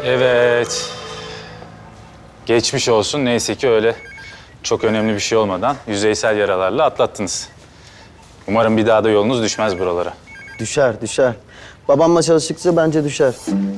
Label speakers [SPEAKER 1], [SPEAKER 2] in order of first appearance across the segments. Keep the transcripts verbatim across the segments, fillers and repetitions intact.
[SPEAKER 1] Evet. Geçmiş olsun. Neyse ki öyle çok önemli bir şey olmadan yüzeysel yaralarla atlattınız. Umarım bir daha da yolunuz düşmez buralara.
[SPEAKER 2] Düşer, düşer. Babamla çalıştıkça bence düşer.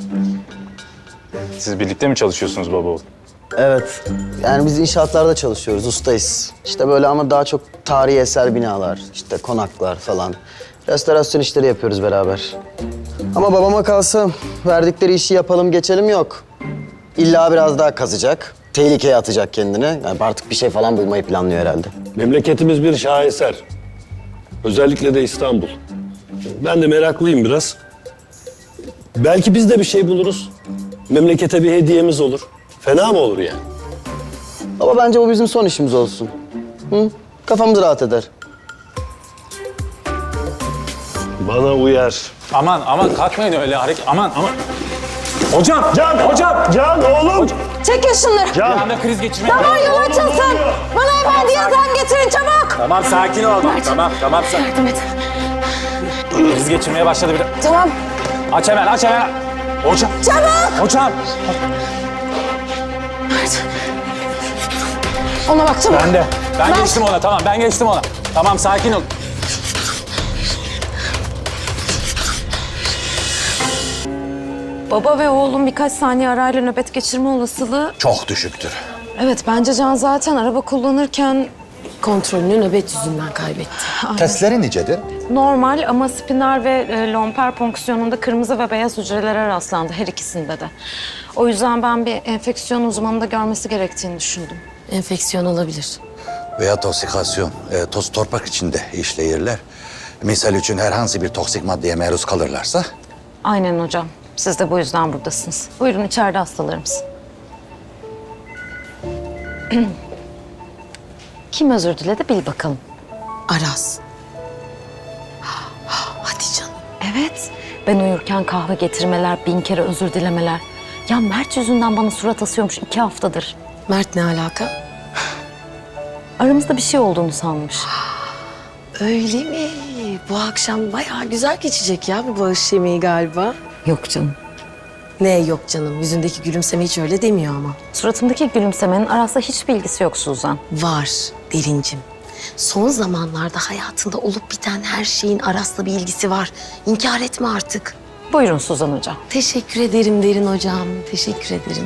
[SPEAKER 1] Siz birlikte mi çalışıyorsunuz baba oğul?
[SPEAKER 2] Evet. Yani biz inşaatlarda çalışıyoruz, ustayız. İşte böyle ama daha çok tarihi eser binalar, işte konaklar falan. Restorasyon işleri yapıyoruz beraber. Ama babama kalsa verdikleri işi yapalım geçelim yok. İlla biraz daha kazacak, tehlikeye atacak kendini. Yani artık bir şey falan bulmayı planlıyor herhalde.
[SPEAKER 3] Memleketimiz bir şaheser. Özellikle de İstanbul. Ben de meraklıyım biraz. Belki biz de bir şey buluruz. Memlekete bir hediyemiz olur. Fena mı olur yani?
[SPEAKER 2] Baba bence bu bizim son işimiz olsun. Hı? Kafamız rahat eder.
[SPEAKER 3] Bana uyar.
[SPEAKER 1] Aman aman kalkmayın öyle hareket. Aman aman. Hocam!
[SPEAKER 3] Can!
[SPEAKER 1] Hocam!
[SPEAKER 3] Can oğlum!
[SPEAKER 4] Çekin şunları.
[SPEAKER 1] Bir anda kriz geçirmeye...
[SPEAKER 4] Tamam yol açılsın. Bana efendi yazan getirin çabuk.
[SPEAKER 1] Tamam sakin ol. Tamam tamam. Sa-
[SPEAKER 4] Yardım et.
[SPEAKER 1] kriz geçirmeye başladı bir de.
[SPEAKER 4] Tamam.
[SPEAKER 1] Aç hemen aç hemen. Hocam!
[SPEAKER 4] Çabuk.
[SPEAKER 1] Hocam!
[SPEAKER 4] Ona bak çabuk.
[SPEAKER 1] Ben de. Ben
[SPEAKER 4] Ver.
[SPEAKER 1] geçtim ona tamam ben geçtim ona. Tamam sakin ol.
[SPEAKER 5] Baba ve oğlum birkaç saniye arayla nöbet geçirme olasılığı...
[SPEAKER 6] Çok düşüktür.
[SPEAKER 5] Evet, bence Can zaten araba kullanırken
[SPEAKER 4] Kontrolünü nöbet yüzünden kaybetti.
[SPEAKER 6] Testleri nicedir?
[SPEAKER 5] normal ama spinal ve e, lomper fonksiyonunda kırmızı ve beyaz hücrelere rastlandı her ikisinde de. O yüzden ben bir enfeksiyon uzmanında görmesi gerektiğini düşündüm.
[SPEAKER 4] Enfeksiyon olabilir.
[SPEAKER 6] Veya toksikasyon, e, toz torpak içinde işleyirler. Misal için herhangi bir toksik maddeye maruz kalırlarsa...
[SPEAKER 5] Aynen hocam. Siz de bu yüzden buradasınız. Buyurun içeride hastalarımız. Kim özür diledi bil bakalım.
[SPEAKER 4] Aras. Hadi canım.
[SPEAKER 5] Evet. Ben uyurken kahve getirmeler, bin kere özür dilemeler. Ya Mert yüzünden bana surat asıyormuş iki haftadır.
[SPEAKER 4] Mert ne alaka?
[SPEAKER 5] Aramızda bir şey olduğunu sanmış.
[SPEAKER 4] Öyle mi? Bu akşam bayağı güzel geçecek ya bu bağış yemeği galiba.
[SPEAKER 5] Yok canım.
[SPEAKER 4] Ne yok canım? Yüzündeki gülümseme hiç öyle demiyor ama.
[SPEAKER 5] Suratımdaki gülümsemenin Aras'la hiçbir ilgisi yok Suzan.
[SPEAKER 4] Var Derincim. Son zamanlarda hayatında olup biten her şeyin Aras'la bir ilgisi var. İnkar etme artık.
[SPEAKER 5] Buyurun Suzan hocam.
[SPEAKER 4] Teşekkür ederim Derin hocam. Teşekkür ederim.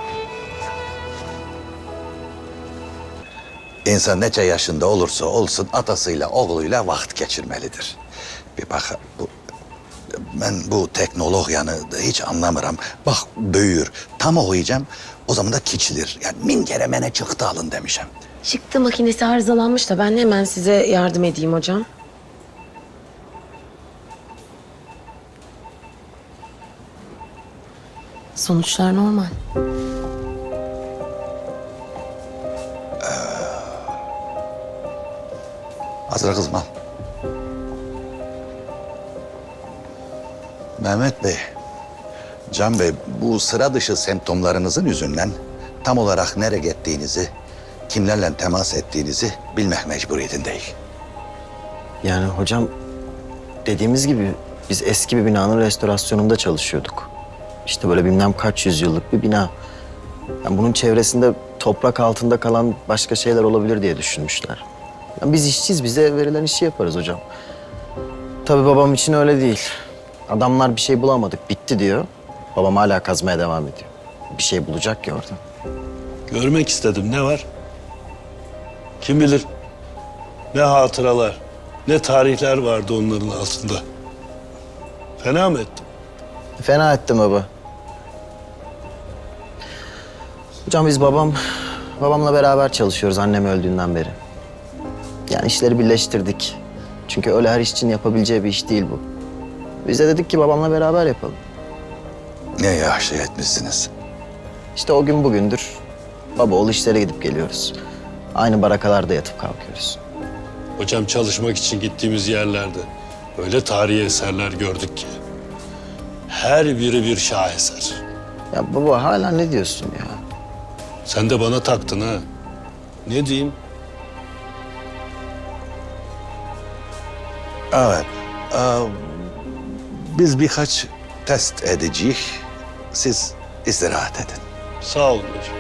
[SPEAKER 6] ...insan neçe yaşında olursa olsun atasıyla, oğluyla vakit geçirmelidir. Bir bak, bu, ben bu teknolojiyanı hiç anlamıram. Bak büyür, tam okuyacağım, o zaman da kiçilir. Yani min kere mene çıktı alın demişim.
[SPEAKER 4] Çıktı makinesi arızalanmış da ben hemen size yardım edeyim hocam. Sonuçlar normal.
[SPEAKER 6] Hazır kızım al. Mehmet Bey, Can Bey, bu sıra dışı semptomlarınızın yüzünden tam olarak nereye gittiğinizi, kimlerle temas ettiğinizi bilmek mecburiyetindeyim.
[SPEAKER 2] Yani hocam dediğimiz gibi biz eski bir binanın restorasyonunda çalışıyorduk. İşte böyle bilmem kaç yüzyıllık bir bina. Yani bunun çevresinde toprak altında kalan başka şeyler olabilir diye düşünmüşler. Yani biz işçiyiz, bize verilen işi yaparız hocam. Tabii babam için öyle değil. Adamlar bir şey bulamadık, bitti diyor. Babam hala kazmaya devam ediyor. Bir şey bulacak ya orada.
[SPEAKER 3] Görmek istedim. Ne var? Kim bilir ne hatıralar, ne tarihler vardı onların altında. Fena mı ettim?
[SPEAKER 2] Fena ettim baba. Hocam biz babam, babamla beraber çalışıyoruz annem öldüğünden beri. Yani işleri birleştirdik. Çünkü öyle her işçinin yapabileceği bir iş değil bu. Biz de dedik ki babamla beraber yapalım.
[SPEAKER 6] Ne yaşlı etmişsiniz.
[SPEAKER 2] İşte o gün bugündür baba oğul işlere gidip geliyoruz. Aynı barakalarda yatıp kalkıyoruz.
[SPEAKER 3] Hocam çalışmak için gittiğimiz yerlerde öyle tarihi eserler gördük ki. Her biri bir şaheser.
[SPEAKER 2] Ya baba hala ne diyorsun ya?
[SPEAKER 3] Sen de bana taktın ha. Ne diyeyim?
[SPEAKER 6] Evet. Ee, biz birkaç test edeceğiz. Siz istirahat edin.
[SPEAKER 3] Sağ olun hocam.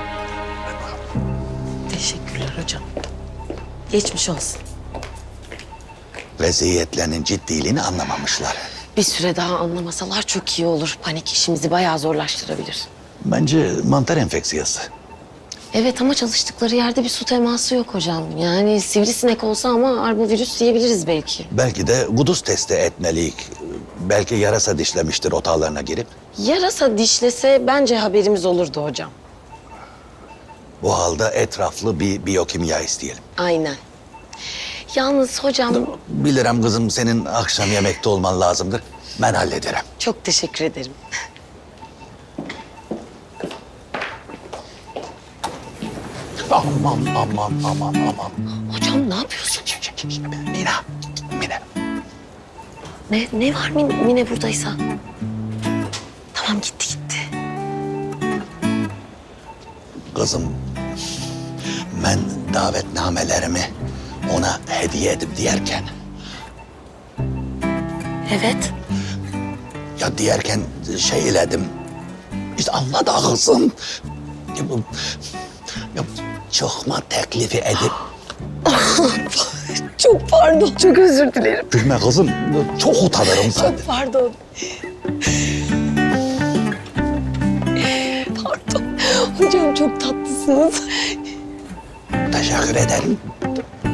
[SPEAKER 4] Teşekkürler hocam. Geçmiş olsun.
[SPEAKER 6] Vaziyetlerinin ciddiliğini anlamamışlar.
[SPEAKER 4] Bir süre daha anlamasalar çok iyi olur. Panik işimizi bayağı zorlaştırabilir.
[SPEAKER 6] Bence mantar enfeksiyası.
[SPEAKER 4] Evet ama çalıştıkları yerde bir su teması yok hocam. Yani sivrisinek olsa ama arbovirüs diyebiliriz belki.
[SPEAKER 6] Belki de kuduz testi etmeliyik. Belki yarasa dişlemiştir otağlarına girip.
[SPEAKER 4] Yarasa dişlese bence haberimiz olurdu hocam.
[SPEAKER 6] Bu halde etraflı bir biyokimya isteyelim.
[SPEAKER 4] Aynen. Yalnız hocam
[SPEAKER 6] Bilirim kızım senin akşam yemekte olman lazımdır. Ben hallederim.
[SPEAKER 4] çok teşekkür ederim.
[SPEAKER 6] Aman aman aman aman.
[SPEAKER 4] Hocam ne yapıyorsun?
[SPEAKER 6] Mina, Mina.
[SPEAKER 4] Ne, ne var Mine, Mine buradaysa? Tamam gitti gitti.
[SPEAKER 6] Kızım, ben davetnamelerimi ona hediye edip diyerken...
[SPEAKER 4] Evet.
[SPEAKER 6] Ya diyerken şey iledim. İşte anla da kızım. Ya bu, ya çıkma teklifi edip...
[SPEAKER 4] Çok pardon. Çok özür dilerim.
[SPEAKER 6] Gülme kızım, çok utanırım zaten.
[SPEAKER 4] Çok pardon. Pardon. Hocam çok tatlısınız.
[SPEAKER 6] Teşekkür ederim.